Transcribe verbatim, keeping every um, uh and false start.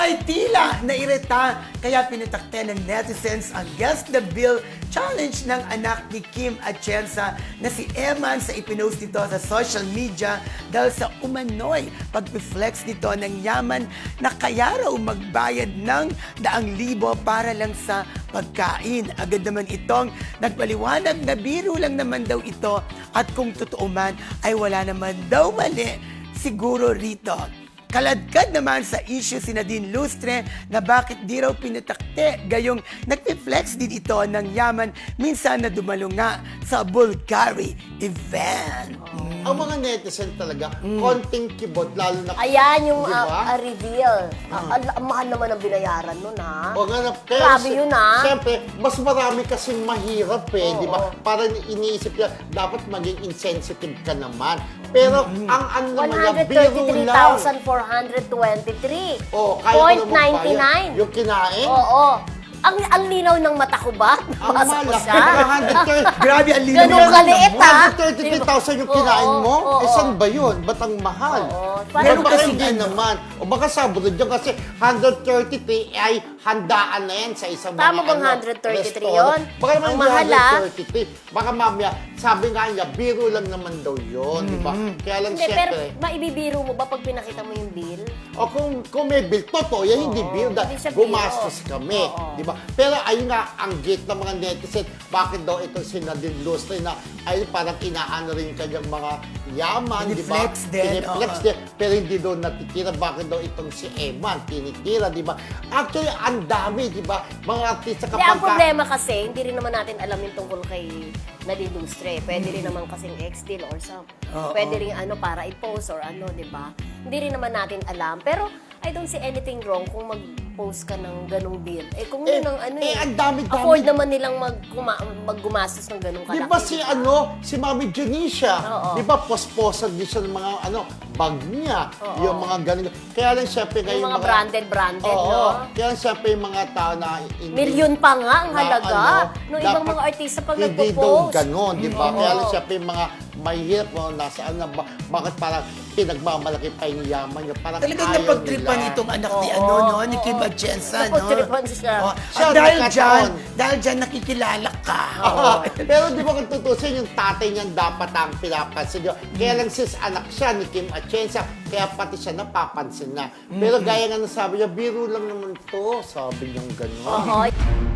Umay tila nairita kaya pinatakte ng netizens ang Guess the Bill challenge ng anak ni Kim Atienza na si Eman sa ipinost nito sa social media dahil sa umano'y pag-flex nito ng yaman na kaya raw magbayad ng daang libo para lang sa pagkain. Agad naman itong nagpaliwanag na biro lang naman daw ito at kung totoo man ay wala naman daw mali siguro rito. Kaladkad naman sa issue si Nadine Lustre na bakit di raw pinatakte gayong nagpi-flex din ito ng yaman minsan na dumalo nga sa Bulgari event. Mm. Ang mga netizen talaga, konting kibot, lalo na... Ayan yung Diba? uh, uh, reveal. Ah, ang ang mahal naman ang binayaran nun, ha? O nga na, Grabe yun, ha? Siyempre, mas marami kasing mahirap eh, Oo, di ba? oo. Parang iniisip niya, dapat maging insensitive ka naman. Pero ang ano naman niya, biro lang. one hundred thirty-three thousand four hundred twenty-three. Oh, kaya point ko naman nine bayad. nine. Yung kinain? Oo. Ang, ang linaw ng mata ko ba? Ang Nabasa ko malaki. siya. one hundred thirty Grabe, ang linaw Ganun ng kaliit, mo. ha? one hundred thirty-three thousand yung kinain Oo, mo? oo, eh, saan ba yun? Ba't ang mahal? Oo. Pero Parang baka kasing hindi ano. naman. O baka sabunod yun kasi one hundred thirty-three ay handaan na yan sa isang Tama mga bang ano, one hundred thirty-three restaurant. yun? Baka naman Ang hindi mahal, one hundred ah. thirty-three. Baka mamaya, sabi nga niya, biro lang naman daw yun, di ba? Kaya lang Hindi, pero siyempre. maibibiro mo ba pag pinakita mo yung bill? O kung, kung may bill, totoo yan, hindi Oo, bill. hindi Dahil siya gumastos bill. kami, Oo. di ba? Pero ayun nga, ang gate ng mga netizen, bakit daw itong si Nadine Lustre na ay parang inaano rin yung kanyang mga yaman, di ba? Piniflex din, Piniflex oo. din. Pero hindi daw natitira. Bakit daw itong si Eman tinitira, di ba? Actually, ang dami, di ba? Mga artista Hindi, kapag... ang problema kasi, hindi rin naman natin alam yung tungkol kay Nadine Lustre. Pwede rin naman kasing ex-deal or some. Oo. Pwede rin ano, para i-post or ano, di ba? Hindi rin naman natin alam. Pero, I don't see anything wrong kung mag-post ka ng ganong bill. Eh, kung Eh, yun ang ano eh, ang dami-dami. afford naman nilang mag maggumastos ng ganong kalaki. Di ba si ano, si Mami Janisha, Oo. di ba posposan din siya ng mga ano, bag niya, Oo. yung mga ganun. Kaya lang siyempre ngayon Yung mga branded, branded, Oo, no? kaya lang siyempre yung mga tao na... hindi- Milyon pa nga ang na halaga. ano, no, ibang dapat mga artista pag hindi daw nagpo-post. ganon, di ba? Oo. Kaya lang siyempre yung mga mahirap, no, nasaan na, ba- bakit parang pinagmamalaki pa yung yaman niya, parang Talagang ayaw napagtripan nila. itong anak ni Oo, ano, no? Ni oo. Kim Atienza, no? Napagtripan siya. Oh, Siya, at dahil nagkataon. dyan, dahil dyan nakikilala ka. Ah, pero di ba kung tutusin, yung tatay niyan dapat ang pinapansin niyo. Kaya lang sis anak siya ni Kim Atienza, kaya pati siya napapansin na. Pero gaya nga ng sabi niya, biro lang naman to, sabi niyang gano'n. Oo.